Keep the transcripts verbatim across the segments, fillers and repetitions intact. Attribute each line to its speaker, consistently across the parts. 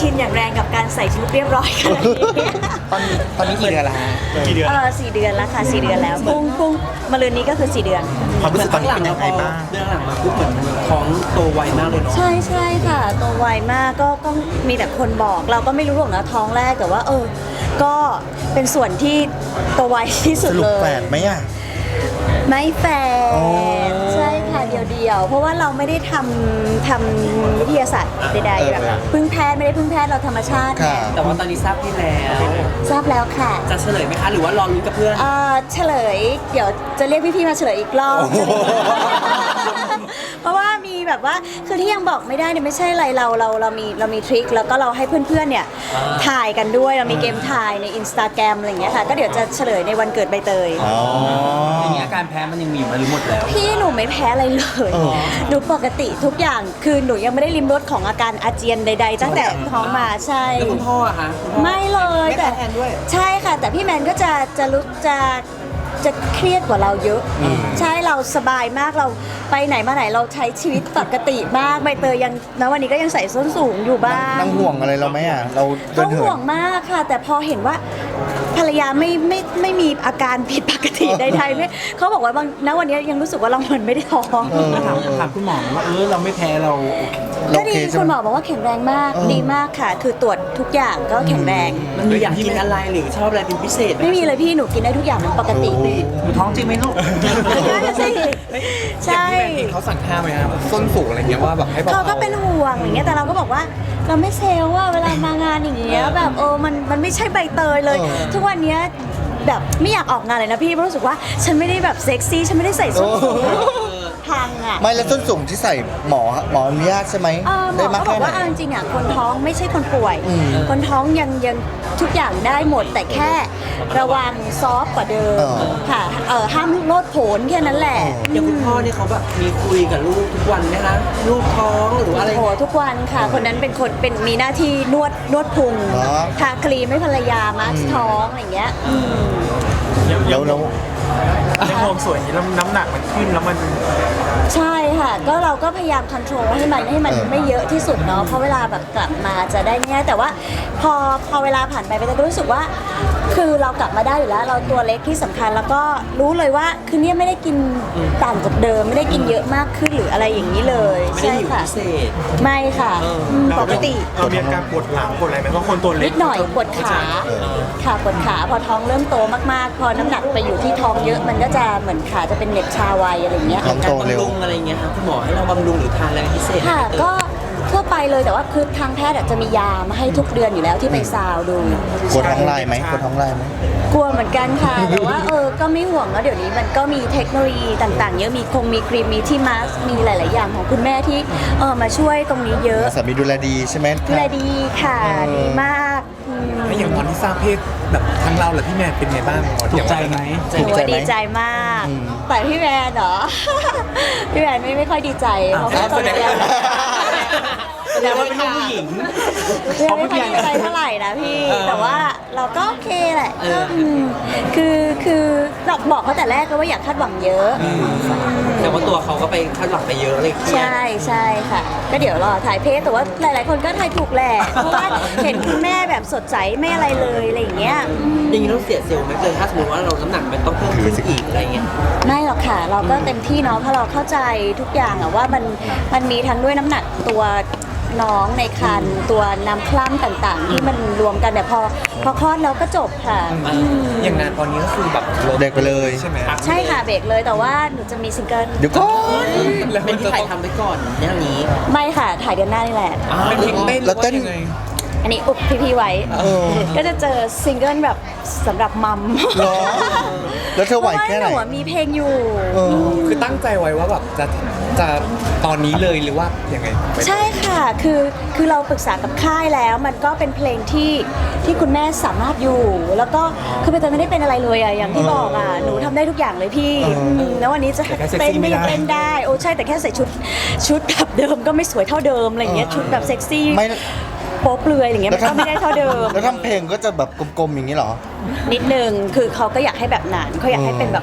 Speaker 1: ชินอย่างแรงกับการใส่ชุดเรียบร้อยขนาดนี้
Speaker 2: ตอนนี้ตอนนี้กี่เดือนละฮะ
Speaker 3: กี่เดือน
Speaker 1: เออสี่เดือนแล้วค่ะสี่เดือนแล้วพุ่งพุ่งมาลืนนี้ก็คือสี่เดือน
Speaker 2: ความรู้สึกตอนนี้เป็นยังไงบ้าง
Speaker 4: เรื่องหลังมาปุ๊บเหมือนท้องโตไวมากเลยเนาะ
Speaker 1: ใช่ใช่ค่ะโตไวมากก็ก็มีแต่คนบอกเราก็ไม่รู้หรอกนะท้องแรกแต่ว่า เออ ก็เป็นส่วนที่โตไวที่สุ
Speaker 2: ส
Speaker 1: ด
Speaker 2: รุป
Speaker 1: เลย
Speaker 2: แฝดไหมอ่ะ
Speaker 1: ไม่แฝ
Speaker 2: อ๋อ
Speaker 1: ดใช่ค่ะเดียวๆ เพราะว่าเราไม่ได้ทำทำวิทยาศาสตร์ใดๆแบบพึ่งแพทย์ไม่ได้พึ่งแพทย์เราธรรมชาติ
Speaker 2: ค่ะ
Speaker 4: แต่ว่าตอนนี้ทราบที่แล้ว
Speaker 1: ทราบแล้วค่ะ
Speaker 4: จะเฉลยไหมคะ หรือว่ารอลุ้นกับเพื่อน
Speaker 1: เอ่อเฉลย เดี๋ยวจะเรียกพี่ๆมาเฉลยอีกรอบ
Speaker 2: โอ้โห
Speaker 1: เพราะว่ามีแบบว่าคือที่ยังบอกไม่ได้เนี่ยไม่ใช่อะไรเราเราเรามีเรามีทริคแล้วก็เราให้เพื่อนๆเนี่ยถ่ายกันด้วยเรามีเกมถ่ายในอินสตาแกรมอะไรอย่างเงี้ยค่ะก็เดี๋ยวจะเฉลยในวันเกิดใบเตย
Speaker 2: อ๋อ
Speaker 4: อย่างนี้อาการแพ้มันยังมีอยู่ไหมหรือหมดแล้ว
Speaker 1: พี่หนูไม่แพ้อะไรเลย
Speaker 2: เออ
Speaker 1: หนูปกติทุกอย่าง คือหนูยังไม่ได้ริมรสของอาการอาเจียนใด ๆ ตั้งแต่ท้องมาใช่
Speaker 4: แล้วคุณพ่ออะคะคุณพ่อ
Speaker 1: ไม่เลย
Speaker 4: ไม่
Speaker 1: แต่
Speaker 4: แพ้แทนด้วย
Speaker 1: ใช่ค่ะ แต่พี่แมนก็จะจะรู้จะจะเครียดกว่าเราเยอะ ใช่เราสบายมากเราไปไหนมาไหนเราใช้ชีวิตปกติมากใบเตยยังนะวันนี้ก็ยังใส่ส้นสูงอยู่บ้าง
Speaker 2: นั่งห่วงอะไรเราไหมอ่ะ เราเดิ
Speaker 1: เขา
Speaker 2: นเหิ
Speaker 1: ห่วน งมากค่ะ แต่พอเห็นว่าภรรยาไม่ไม่ไม่มีอาการผิดปกติใดๆไม่เขาบอกว่าบางณวันนี้ยังรู้สึกว่าเราเหมือนไม่ได้ท้อง
Speaker 2: เออ
Speaker 4: ถามถามคุณหมอว่าเออเราไม่แพ้เราโอเค
Speaker 1: ก็
Speaker 2: โอ
Speaker 1: ดี
Speaker 2: เคใช่
Speaker 1: คุณ
Speaker 2: ไห
Speaker 1: ห
Speaker 2: ม
Speaker 1: มอบอกว่าแข็งแรงมาก
Speaker 2: เออ
Speaker 1: ดีมากค่ะ คือตรวจทุกอย่างก็แข็งแรง
Speaker 4: มันมีอยากกินอะไรหรือชอบอะไรเป็นพิเศษห
Speaker 1: ไม่มีเลยพี่หนูกินได้ทุกอย่างเหมือนปกติ
Speaker 2: โอ้
Speaker 4: หนูท้องจริงไหมลูก
Speaker 1: นั่นน่ะสิใช่
Speaker 3: เขาสั่งห้ามไหมครับส้นสูงอะไรเงี้ยว่าแบบให้เบาๆ
Speaker 1: เขาก็เป็นห่วงอย่างเงี้ยแต่เราก็บอกว่าเราไม่เซลล์ว่าเวลามางานอย่างเงี้ยแบบเออมันมันไม่ใช่ใบเตยเลย
Speaker 2: เออ
Speaker 1: ทุกวันเนี้ยแบบไม่อยากออกงานเลยนะพี่เพราะรู้สึกว่าฉันไม่ได้แบบเซ็กซี่ฉันไม่ได้ใส่ส้นสูง
Speaker 2: โอ้
Speaker 1: พังอ่ะ
Speaker 2: ไม่แล้วส้นสูงที่ใส่หมอหมออนุญาตใช่ไหม
Speaker 1: เออหม
Speaker 2: ได้
Speaker 1: อ
Speaker 2: มาก
Speaker 1: เขาบ
Speaker 2: แค่
Speaker 1: อก
Speaker 2: ไหน
Speaker 1: ว่าเอาจริงๆอ่ะคนท้องไม่ใช่คนป่วย
Speaker 2: อืม
Speaker 1: คนท้องยังยังทุกอย่างได้หมด แต่แค่ระวังซอฟต์กว่าเดิม
Speaker 2: เออ
Speaker 1: ค่ะเออห้ามโลดโผนแค่นั้นแหละ
Speaker 4: อย่างคุณพ่อเนี่ยเขาแบบมีคุยกับลูกทุกวันไหมคะลูกท้องหรือว่าอะไร
Speaker 1: โอ้โหทุกวันค่ะ คนนั้นเป็นคนเป็นมีหน้าที่นวดนวดพุง
Speaker 2: เหรอ
Speaker 1: ทาครีมให้ภรรยามาสก์ท้องอะไรอย่างเงี้ยอืม
Speaker 2: แล้วแล้ว
Speaker 3: ยังมองสวยอย่างนี้แล้วน้ำหนักมันขึ้นแล้วมัน
Speaker 1: ใช่ค่ะ ก็เราก็พยายามค o n t r o l ให้มันให้มันไม่เยอะที่สุดเนาะเพราะเวลาแบบกลับมาจะได้ง่ายแต่ว่าพอพอเวลาผ่านไปไปก็รู้สึกว่า คือเรากลับมาได้อยู่แล้ว เราตัวเล็กที่สำคัญแล้วก็รู้เลยว่าคือเนี่ยไม่ได้กินต่างจากเดิม ไม่ได้กินเยอะมากขึ้นหรืออะไรอย่างนี้เลย
Speaker 4: ไม่ได้
Speaker 1: ใช่
Speaker 4: หิว
Speaker 1: ค่ะ
Speaker 4: พิเศษ
Speaker 1: ไม่ค่ะอืมปกติ
Speaker 3: เรามีอาการปวดหลังปวดอะไรไหมเพราะคนตัวเล็ก
Speaker 1: นิดหน่อยปวดขาค่ะปวดขาพอท้องเริ่มโตมากๆ พอน้ำหนักไปอยู่ที่ท้องเยอะมันก็จะเหมือนขาจะเป็นเหน็บชาไวอะไรอย่างเงี้ย
Speaker 2: ท้อง
Speaker 4: การ
Speaker 2: โตเร็ว
Speaker 4: บำรุงอะไรเงี้ยครับคุณหมอให้เราบำรุงหรือทานอะไรพิเศษไหม
Speaker 1: ค่ะก็ทั่วไปเลยแต่ว่าคือทางแพทย์อะจะมียามาให้ทุกเดือนอยู่แล้วที่ไปซาวดู
Speaker 2: กลัวท้องลายไหมกลัวท้องลายไหม
Speaker 1: กลัวเหมือนกันค่ะ แต่ว่าเออก็ไม่ห่วงแล้วเดี๋ยวนี้มันก็มีเทคโนโลยีต่างๆ เยอะมีคงมีครีมมีที่มาสก์มีหลาย ๆ อย่างของคุณแม่ที่เออมาช่วยตรงนี้เยอะ
Speaker 2: สามีดูแลดีใช่ไหม
Speaker 1: ดูแลดีค่ะดีมากอืม
Speaker 3: แล้วอย่างตอนที่ทราบเพศแบบทั้งเราและพี่แมนเป็นไงบ้างหมอ
Speaker 4: ถูกใจไหม
Speaker 1: โอ้ดีใจมาก
Speaker 2: อืม
Speaker 1: แต่พี่แมนเหรอ พี่แมนไม่ไม่ค่อยดีใจเพราะว่าตอนนี้
Speaker 4: แสดงว่าเป็นลูกผู้หญิง
Speaker 1: พี่แมนไม่ค่อยดีใจเท่าไหร่นะพี่ แต่ว่าเราก็โอเคแหละก็อืมคือคือเราบอกเขาแต่แรกก็ว่าอยากคาดหวังเยอะ
Speaker 4: แต่ว่าตัวเขาก็ไปคาดหวังไปเยอะเลยเครียด
Speaker 1: ใช่ใช่ค่ะ ก็เดี๋ยวรอถ่ายเพจแต่ว่าหลาย ๆ คนก็ถ่ายถูกแหละ เพราะว่าเห็นคุณแม่แบบสดใสไม่อะไรเลยอะไรอย่างเงี้ยอืม
Speaker 4: อย่างนี้เราเสียเซลล์ไหมเลยถ้าสมมติว่าเราน้ำหนักมันต้องเพิ่มขึ้นอีกอะไรเงี้ย
Speaker 1: ไม่หรอกค่ะ เราก็เต็มที่เนาะเพราะเราเข้าใจทุกอย่างอะว่ามันมันมีทั้งด้วยน้ำหนักตัวน้องในครรภ์ตัวน้ำคล่ำต่างๆ ที่มันรวมกันแต่พอพอคลอดแล้วก็จบค่ะอืม
Speaker 3: อย่างงานตอนนี้ก็คือแบบ
Speaker 2: เด็กไปเลย
Speaker 3: ใช่ไหม
Speaker 1: ใช่ค่ะเบรกเลยแต่ว่าหนูจะมีซิงเกิล
Speaker 2: เดี๋ยวก่อน
Speaker 4: เป็นที่ถ่ายทำไปก่อนอย่างนี้
Speaker 1: ไม่ค่ะถ่ายเดือนหน้านี่แหละ
Speaker 3: เป็นเพลงเต้น
Speaker 2: แล้วเต้น
Speaker 3: หรือว่ายังไง
Speaker 1: อันนี้อุบพี่ๆไว้
Speaker 2: เออ
Speaker 1: ก็จะเจอซิงเกิลแบบสำหรับมัม
Speaker 2: เหรอแล้วเธอไหวแค่ไหน
Speaker 1: เพราะว่าหนูอะมีเพลงอยู่
Speaker 2: เออ
Speaker 3: คือตั้งใจไว้ว่าแบบจะจะตอนนี้เลยหรือว่ายังไง
Speaker 1: ใช่ค่ะ คือคือเราปรึกษากับค่ายแล้ว มันก็เป็นเพลงที่ที่คุณแม่สามารถอยู่ แล้วก็คือเป็นไม่ได้เป็นอะไรเลยอะอย่างที่บอกอะหนูทำได้ทุกอย่างเลยพี่
Speaker 2: เอออื
Speaker 1: มแล้ววันนี้จะ
Speaker 3: แต่แค่เซ็ก
Speaker 1: เต้น
Speaker 3: ซี่ไม่
Speaker 1: ไม่
Speaker 3: ได้
Speaker 1: เต้นได้โอ้ใช่แต่แค่ใส่ชุดชุดแบบเดิมก็ไม่สวยเท่าเดิมอะไรอย่างเงี้ยชุดแบบเซ็กซี่
Speaker 2: ไม่
Speaker 1: โป๊เปลือยอย่างเงี้ยมันก็ไม่ได้เท่าเดิม
Speaker 2: แล้วทำเพลงก็จะแบบกลมๆอย่างนี้เหรอ
Speaker 1: นิดนึงคือเขาก็อยากให้แบบนั้นเขาอยากให้เป็นแบบ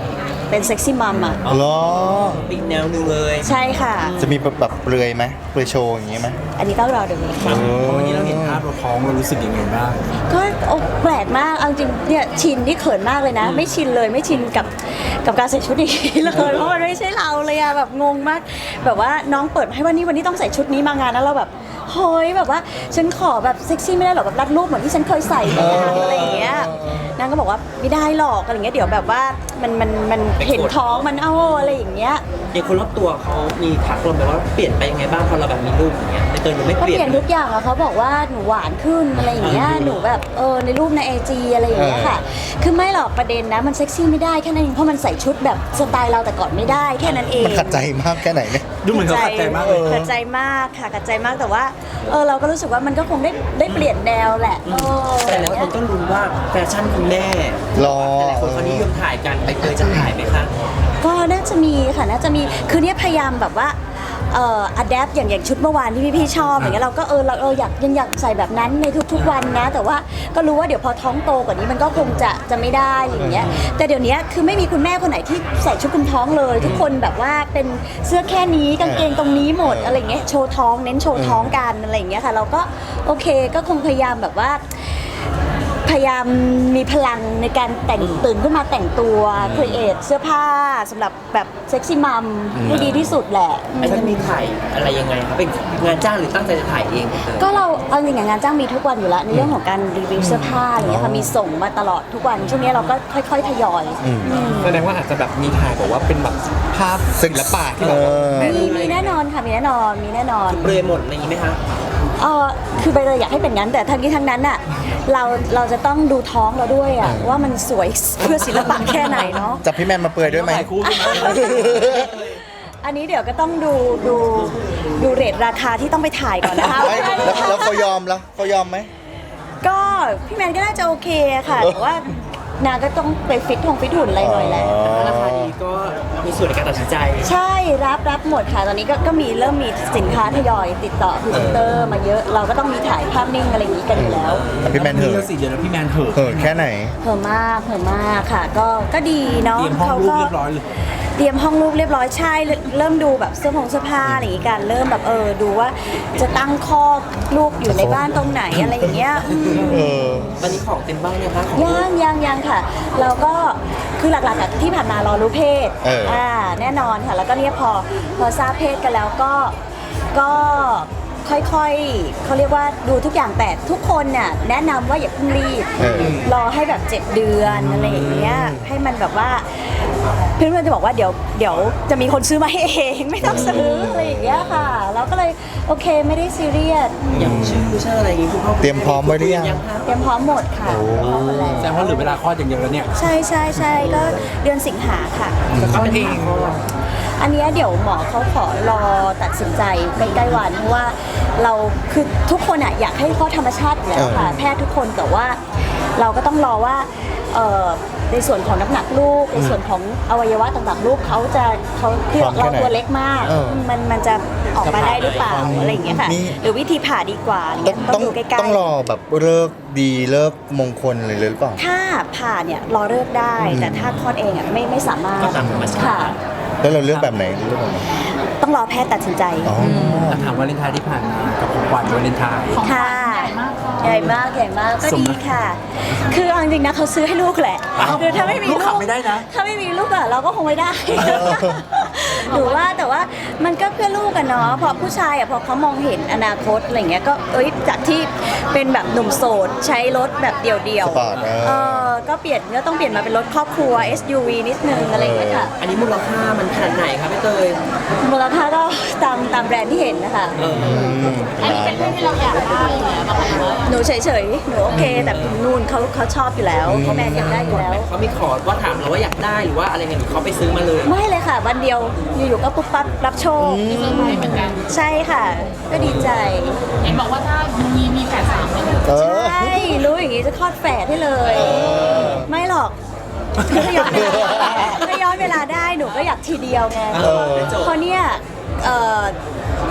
Speaker 1: เป็นเซ็กซี่มัมอ่ะ
Speaker 2: เหรอ
Speaker 4: อีกแนวหนึ่งเลย
Speaker 1: ใช่ค่ะ
Speaker 2: จะมีแบบแบบเปลือยไหมเปลือยโชว์อย่างงี้ไหม
Speaker 1: อันนี้ก็รอดูค่ะ
Speaker 3: วันนี้เราเห็นภาพเราท้องเรารู้สึกยังไงบ้าง
Speaker 1: ก็โอ้แปลกมากเอาจริงเนี่ยชินที่เขินมากเลยนะ ไม่ชินเลยไม่ชินกับกับการใส่ชุดนี้เลยเพราะมันไม่ใช่เราเลยอะแบบงงมาก แบบว่าน้องเปิดให้วันนี้วันนี้ต้องใส่ชุดนี้มางานแล้วเราแบบเฮ้ยแบบว่าฉันขอแบบเซ็กซี่ไม่ได้หรอกแบบรัดรูปเหมือนที่ฉันเคยใส่ในงานอะไรอย่างเงี้ยนางก็บอกว่าไม่ได้หรอกอะไรอย่างเงี้ยเดี๋ยวแบบว่ามันมันมันเห็นท้องมันเอาอะไรอย่างเงี้ย
Speaker 4: อย่างคนรอบตัวเขามีทักเราไหมว่าเปลี่ยนไปยังไงบ้างพอเราแบบมีลูกอย่างเงี้ยในเตยหนูไม่
Speaker 1: ก็
Speaker 4: เปลี่ย
Speaker 1: เปลี่ยน
Speaker 4: น
Speaker 1: ทุกอย่างอะเขาบอกว่าหนูหวานขึ้นอะไรอย่างเงี้ยหนูแบบเออในรูปในไอจีอะไรอย่างเงี้ยค่ะ คือไม่หรอกประเด็นนะมันเซ็กซี่ไม่ได้แค่นั้นเองเพราะมันใส่ชุดแบบสไตล์เราแต่ก่อนไม่ได้แค่นั้นเอง
Speaker 2: มันขัดใจมากแค่ไหนเนี่ย
Speaker 3: ดูเหมือนเขาขัดใจมากเลย
Speaker 1: ขัดใจมากค่ะขัดใจมากแต่ว่าเออเราก็รู้สึกว่ามันก็คงได้ได้เปลี่ยนแนวแหละเออ
Speaker 4: แต่หลายคนก็ลุ้นว่าแฟชั่นคุณแม่
Speaker 2: รอ
Speaker 4: แต่หลายคนเขานิยมถ่ายกันใบเตยจะถ่ายไหมคะ
Speaker 1: ก็น่าจะมีค่ะน่าจะมีคือเนี่ยพยายามแบบว่าเอ่ออัดแอปอย่างอย่างชุดเมื่อวานที่พี่ๆชอบอย่างเงี้ยเราก็เออเราเอออยากยังอยากใส่แบบนั้นในทุกๆวันนะ แต่ว่าก็รู้ว่าเดี๋ยวพอท้องโตกว่านี้มันก็คงจะจะไม่ได้อะไรอย่างเงี้ยแต่เดี๋ยวนี้คือไม่มีคุณแม่คนไหนที่ใส่ชุดคลุมท้องเลย ทุกคนแบบว่าเป็นเสื้อแค่นี้กางเกงตรงนี้หมดอะไรอย่างเงี้ยโชว์ท้องเน้นโชว์ท้องกันอะไรอย่างเงี้ยค่ะเราก็โอเคก็คงพยายามแบบว่า พยายามมีพลังในการแต่งตื่นขึ้นมาแต่งตัวครีเอทเสื้อผ้าสำหรับแบบเซ็กซี่มัมให้ดีที่สุดแหละ
Speaker 4: ไอ้จะมีถ่ายอะไรยังไงครับเป็นงานจ้างหรือตั้งใจจะถ่ายเองใบเตย
Speaker 1: ก็เราเอาจริงๆงานจ้างมีทุกวันอยู่แล้วในเรื่องของการรีวิวเสื้อผ้าอย่างเงี้ยค่ะมีส่งมาตลอดทุกวันช่วงนี้เราก็ค่อยๆทยอยอืม
Speaker 3: แสดงว่าอาจจะแบบมีถ่ายบอกว่าเป็นแบบภาพศิลปะที่แบบว่าแน่น
Speaker 1: มีมีแน่นอนค่ะมีแน่นอนมีแน่นอน
Speaker 4: เปลือยหมดอะไรอย่างงี้ไหมคะ
Speaker 1: เออคือใบเตยอยากให้เป็นงั้นแต่ทั้งนี้ทั้งนั้นอ่ะเราเราจะต้องดูท้องเราด้วยอ่ะว่ามันสวยเพื่อศิลปะแค่ไหนเนาะ
Speaker 2: จับพี่แมนมาเปลือยด้วยไหม
Speaker 3: ถ่ายคู่ด้วยไหม
Speaker 1: อันนี้เดี๋ยวก็ต้องดูดูดูเรทราคาที่ต้องไปถ่ายก่อนนะคะ
Speaker 2: ไม่แล้วแล้วเขายอมแล้วเขายอมไหม
Speaker 1: ก็พี่แมนก็น่าจะโอเคค่ะแต่ว่านางก็ต้องไปฟิตทงฟิตหุ่นอะไรหน่อยแหละ
Speaker 4: ราคาดีก็มีส่วนในการตัดสินใจ
Speaker 1: ใช่รับรับหมดค่ะตอนนี้ก็ก็มีเริ่มมีสินค้าทยอยติดต่อพรีเซนเตอร์มาเยอะเราก็ต้องมีถ่ายภาพนิ่งอะไรอย่างนี้กันอยู่แล้ว
Speaker 2: แต่พี่แมนเห
Speaker 3: นี่
Speaker 2: อะ
Speaker 3: ก็สี่เดือนแล้วพี่แมนเหอะ
Speaker 2: เหอะแค่ไหน
Speaker 1: เพิ่มมากเพิ่มมากค่ะ ก็ก็ดีเนาะ
Speaker 3: เตรียมห้องรูปเรียบร้อยเลย
Speaker 1: เตรียมห้องรูปเรียบร้อยใช่เริ่มเริ่มดูแบบเสื้อผงเสื้อผ้าอะไรอย่างงี้กันเริ่มแบบเออดูว่าจะตั้งข้อลูกอยู่ในบ้านตรงไหนอะไรอย่างเงี้ยอืม
Speaker 2: เออ
Speaker 4: ตอนนี้ของเต็มบ้างยังคะของ
Speaker 1: ยังยังยังค่ะ เราก็คือหลักๆอะที่ผ่านมารอรู้เพศ
Speaker 2: เอออ่
Speaker 1: แน่นอนค่ะ แล้วก็เนี่ยพอพอทราบเพศกันแล้วก็ก็ค่อยๆเขาเรียกว่าดูทุกอย่างแต่ทุกคนเนี่ยแนะนำว่าอย่าเพิ่งรีบ
Speaker 2: เออ
Speaker 1: รอให้แบบเจ็ดเดือนอะไรอย่างเงี้ยให้มันแบบว่าเพื่อนๆจะบอกว่าเดี๋ยวเดี๋ยวจะมีคนซื้อมาให้เองไม่ต้องซื้ออะไรอย่างเงี้ยค่ะเราก็เลยโอเคไม่ได้ซีเรียส
Speaker 4: อย่างชื่อชื่ออะไรอย่างงี้คุณพ่อ
Speaker 2: เตรียมพร้อมไว้หรือยัง
Speaker 4: คะ
Speaker 1: เตรียมพร้อมหมดค่ะพร้อมหมดแล้ว
Speaker 3: แสดงว่าเหลือเวลาคลอดอย่างเดียวแล้วเนี่ย
Speaker 1: ใช่ใช่ใช่ก็เดือนสิงหาค่ะ
Speaker 3: เขาเอง
Speaker 1: อันเนี้ยเดี๋ยวหมอเขาขอรอตัดสินใจใกล้ๆวันเพราะว่าเราคือทุกคนอะอยากให้คลอดธรรมชาติอยู่แล้วค่ะ แพทย์ทุกคนแต่ว่าเราก็ต้องรอว่าเอ่อในส่วนของน้ำหนักลูกในส่วนของอวัยวะต่างๆลูกเขาจะเขาคือ
Speaker 2: พร้อมแค่
Speaker 1: เรา
Speaker 2: ไหน
Speaker 1: ตัวเล็กมาก
Speaker 2: เออ
Speaker 1: มันมันจะออกมาได้หรือเปล่าอะไรอย่างเงี้ยค่ะ
Speaker 2: มี
Speaker 1: หรือวิธีผ่าดีกว่าอะไร
Speaker 2: ต้อ
Speaker 1: เงี้
Speaker 2: ง
Speaker 1: ยต้
Speaker 2: ต้
Speaker 1: อ
Speaker 2: อง ง
Speaker 1: ดูใกล้ๆ
Speaker 2: ต้องรอแบบเลิกดีเลิกมงคลเลยหรือเปล่า
Speaker 1: ถ้าผ่าเนี่ยรอเลิกได้ แต่ถ้าคลอดเองอ่ะไม่ไม่สามารถ
Speaker 4: ก็ตามธรรมชาติ
Speaker 1: ค่ะ
Speaker 2: แล้วเราเลือกแบบไหนเลือกแบบไหน
Speaker 1: ต้องรอแพทย์ตัดสินใจ
Speaker 2: อ๋อ
Speaker 3: ถามวาเลนไทน์ที่ผ่านมากับของขวัญวาเลนไทน์
Speaker 1: ค่ะใหญ่มากใหญ่มากก็
Speaker 3: สม
Speaker 1: ดี
Speaker 3: นะ
Speaker 1: ค่ะ คือเอาจริงๆนะเขาซื้อให้ลูกแหละ
Speaker 3: อ้าว
Speaker 1: คือถ้าไม่มี
Speaker 3: ลูกขับไม่ได้นะ
Speaker 1: ถ้าไม่มีลูกอะเราก็คงไม่ได้ หรือว่าแต่ว่ามันก็เพื่อลูกกันเนาะพอผู้ชายอะพอเขามองเห็นอนาคตอะไรเงี้ยก็เอ้ยจากที่เป็นแบบหนุ่มโสดใช้รถแบบเดี่ยว
Speaker 2: สปอร์ตเออ
Speaker 1: เออก็เปลี่ยนก็ต้องเปลี่ยนมาเป็นรถครอบครัว เอส ยู วี นิดนึงอะไรอย่างเงี้ยค่ะ
Speaker 4: อันนี้มูลค่ามันขนาดไหนคะพี่เตย
Speaker 1: มูลค่าก็ตามตามแบรนด์ที่เห็นนะคะ
Speaker 4: เออ
Speaker 1: อันนี้เป็นเรื่องที่เราอยากได้หนูเฉยๆ หนูโอเค แต่นู่นเขาเขาชอบอยู่แล้วเขาแมนอยากได้อยู่แล้ว
Speaker 4: เขามีขอว่าถามเราว่าอยากได้หรือว่าอะไรเงี้ยหรือเขาไปซื้อมาเลย
Speaker 1: ไม่เลยค่ะ วันเดียวอยู่ๆก็ปุ๊บปั๊บรับโชคใช่ค่ะ ก็ดีใจ
Speaker 5: เห็นบอกว่าถ้ามีมีแฝดสามเนี่ย
Speaker 2: เออ
Speaker 1: ใช่ รู้อย่างนี้จะคลอดแฝดให้เลย ไม่หรอกคือถ้าย้อนเวลาถ้าย้อนเวลาได้หนูก็อยากทีเดียวไง
Speaker 2: เออ
Speaker 1: เพราะเนี่ยเอ่อ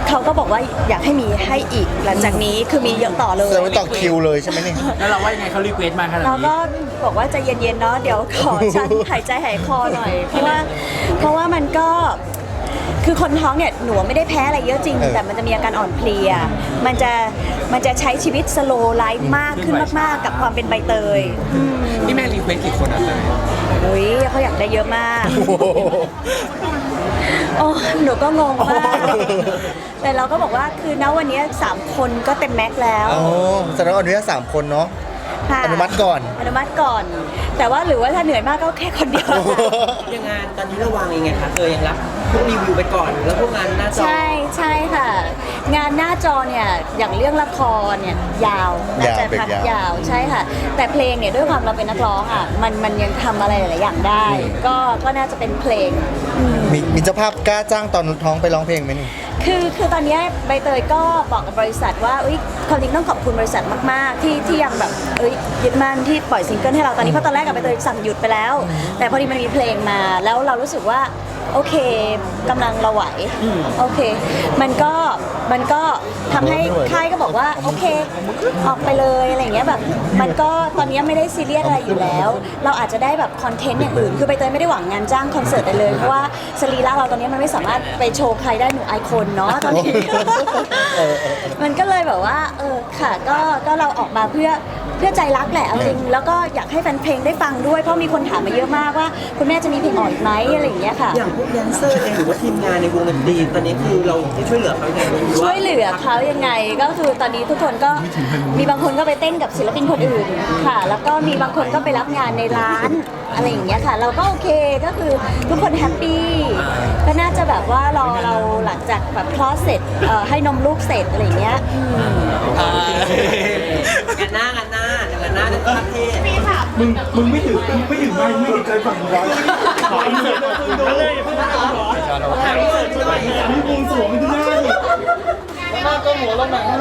Speaker 1: เขาก็บอกว่าอยากให้มีให้อีกหลังจากนี้คือมีเยอะต่อเล
Speaker 2: แสด
Speaker 1: ย
Speaker 2: งว่าต่อคิวเลยใช่ไหมเนี่ย
Speaker 6: แล้วเราว่ายังไงเขารีเควสมาขนาด
Speaker 1: เรา
Speaker 6: นี้
Speaker 1: ก็บอกว่าใจเย็นๆเนาะเดี๋ยวขอฉัน หายใจหายคอหน่อย เพราะว่าเพราะว่ามันก็คือคนท้องเนี่ยหนูไม่ได้แพ้อะไรเยอะจริง
Speaker 2: เออ
Speaker 1: แต่มันจะมีอาการอ่อนเพลีย มันจะมันจะใช้ชีวิตสโลไลฟ์มากขึ้นมากๆ กับความเป็นใบเตยอืม
Speaker 3: นี่แม่รีเควสกี่คนอ่ะเลย
Speaker 1: อุ้ยเขาอยากได้เยอะมาก
Speaker 2: โอ้โห
Speaker 1: โอ้หนูก็งงมาก แต่เราก็บอกว่าคือณวันนี้สามคนก็เต็มแม็กซ์แล้ว
Speaker 2: อ๋อแสดงว่าอนุญาตสามคนเนาะ
Speaker 1: ค่ะ
Speaker 2: อนุมัติก่อน
Speaker 1: อนุมัติก่อน แต่ว่าหรือว่าถ้าเหนื่อยมากก็แค่คนเดียว
Speaker 4: ยังงานตอนนี้ระวังยังไงคะเธอยังรับพวกรีวิวไปก่อน แล้วพวกงานหน้าจอ
Speaker 1: ใช่ใช่ค่ะ งานหน้าจอเนี่ยอย่างเรื่องละครเนี่ยยาวน่าจะ
Speaker 2: ยาวเป็น
Speaker 1: พัก
Speaker 2: ยาว
Speaker 1: ยาวใช่ค่ะ แต่เพลงเนี่ยด้วยความเราเป็นนักร้องอ่ะมันมันยังทำอะไรหลายๆอย่างได้ ก็ก็น่าจะเป็นเพลง
Speaker 2: มีมีเจ้าภาพกล้าจ้างตอนท้องไปร้องเพลงไหมนี่
Speaker 1: คือคือตอนเนี้ยใบเตยก็บอกกับบริษัทว่าอุ้ยความจริงต้องขอบคุณบริษัทมากๆ ที่ที่ยังแบบเอ้ยยึดมั่นที่ปล่อยซิงเกิลให้เราตอนนี้เพราะตอนแรกกับใบเตยสั่งหยุดไปแล้ว แต่พอดีมันมีเพลงมาแล้วเรารู้สึกว่าโอเคกำลังเราไหวโอเค มันก็มันก็ทำให้ค่ายก็บอกว่าโอเคออกไปเลยอะไรอย่างเงี้ยแบบมันก็ตอนนี้ไม่ได้ซีเรียสอะไรอยู่แล้ว เราอาจจะได้แบบคอนเทนต์อย่างอื่นคือใบเตยไม่ได้หวังงานจ้างคอนเสิร์ตเลยเพราะว่าสรีระเราตอนนี้มันไม่สามารถไปโชว์ใครได้หนูไอคอนเนาะตอนนี้ มันก็เลยแบบว่าเออค่ะก็ก็เราออกมาเพื่อเพื่อใจรักแหละเอาจริงแล้วก็อยากให้แฟนเพลงได้ฟังด้วยเพราะมีคนถามมาเยอะมากว่าคุณแม่จะมีเพลงออกอีกไหมอะไรอย่างเงี้ยค่ะ
Speaker 4: อย่างพวกแดนเซอร์เองหรือว่าทีมงานในวงดนตรีตอนนี้คือเราช่วยเหลือเขายังไงหรือ
Speaker 1: ช่
Speaker 4: ว่า
Speaker 1: วยเหลือเขายังไงก็คือตอนนี้ทุกคนก็มีบางคนก็ไปเต้นกับศิลปินคนอื่นค่ะ แล้วก็มีบางคนก็ไปรับงานในร้านอะไรอย่างเงี้ยค่ะ เราก็โอเคก็คือทุกคนแฮปปี้ก็น่าจะแบบว่ารอเราหลังจากแบบคลอดเสร็จเอ่อให้นมลูกเสร็จอะไรอย่างเงี้ยอืม
Speaker 4: งานหน้างานหน้าเดี๋ยวงานหน้าจะประเทศ
Speaker 6: มึงมึงไม่ถือมึงไม่ถือไม้ไม่ถือใจฝั่งร้อนขออินเสิร์ตมึงดูเลยเพื่อนร้อนมีวงสวงที่หน้าดิ